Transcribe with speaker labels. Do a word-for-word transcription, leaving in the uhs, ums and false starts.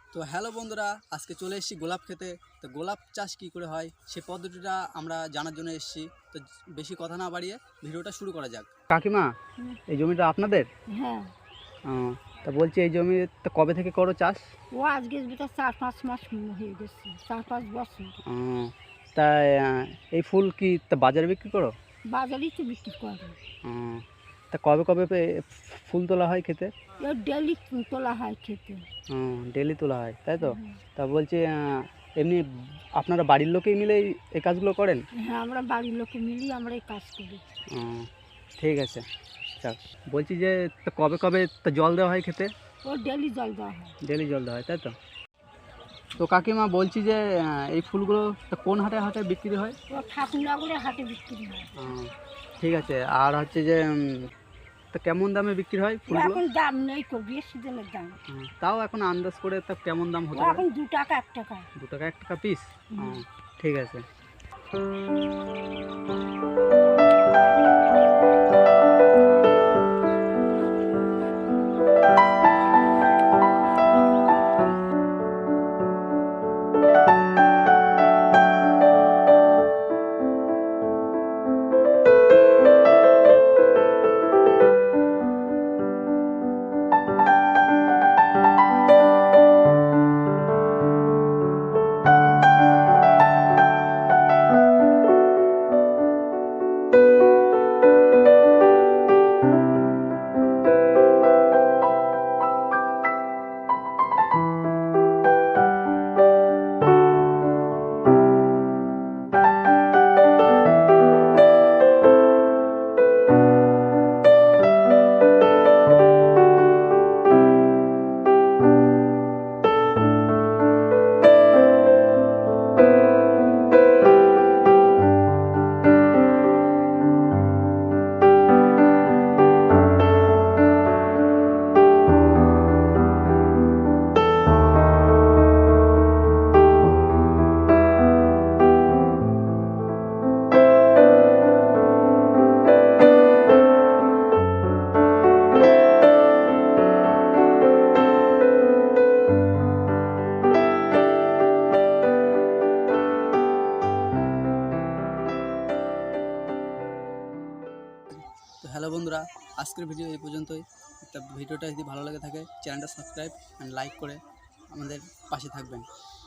Speaker 1: তো হ্যালো বন্ধুরা, আজকে চলে এসেছি গোলাপ খেতে। তো গোলাপ চাষ কী করে হয় সেই পদ্ধতিটা আমরা জানার জন্য এসেছি। তো বেশি কথা না বাড়িয়ে ভিডিওটা শুরু করা যাক। কাকিমা, এই জমিটা আপনাদের?
Speaker 2: হ্যাঁ।
Speaker 1: তা বলছি এই জমি তো কবে থেকে করো চাষ?
Speaker 2: ও আজকে ভিতর চার পাঁচ মাস হয়ে গেছে, চার পাঁচ বছর।
Speaker 1: তা এই ফুল কি তা বাজারে বিক্রি করো?
Speaker 2: বাজারেই তো বিক্রি করে।
Speaker 1: তা কবে কবে ফুল তোলা হয় খেতে?
Speaker 2: ডেলি তোলা হয় খেতে।
Speaker 1: হুম, ডেলি তোলা হয়, তাই তো? তা বলছি এমনি আপনারা বাড়ির লোকেই মিলে এই কাজগুলো করেন?
Speaker 2: হ্যাঁ, আমরা বাড়ির লোকে মিলিয়ে আমরা এই কাজ করি।
Speaker 1: ঠিক আছে। আচ্ছা, বলছি যে কবে কবে তা জল দেওয়া হয় খেতে?
Speaker 2: ও ডেলি জল দেওয়া হয়।
Speaker 1: ডেলি জল দেওয়া হয়, তাই তো? তো কাকিমা বলছি যে এই ফুলগুলো কোন হাটে হাটে বিক্রি হয়?
Speaker 2: ও ঠাকুরনগরে হাটে বিক্রি হয়।
Speaker 1: ঠিক আছে। আর হচ্ছে যে তা কেমন দামে বিক্রি হয় ফুলগুলো?
Speaker 2: এখন দাম নেই তো, বেশি দিনের দাম।
Speaker 1: তাও এখন আন্দাজ করে তা কেমন দাম হতে
Speaker 2: পারে?
Speaker 1: এখন
Speaker 2: দু টাকা এক টাকা।
Speaker 1: দু টাকা এক টাকা পিস? ঠিক আছে। তো হ্যালো বন্ধুরা, আজকের ভিডিও এই পর্যন্তই। তা ভিডিওটা যদি ভালো লাগে থাকে চ্যানেলটা সাবস্ক্রাইব অ্যান্ড লাইক করে আমাদের পাশে থাকবেন।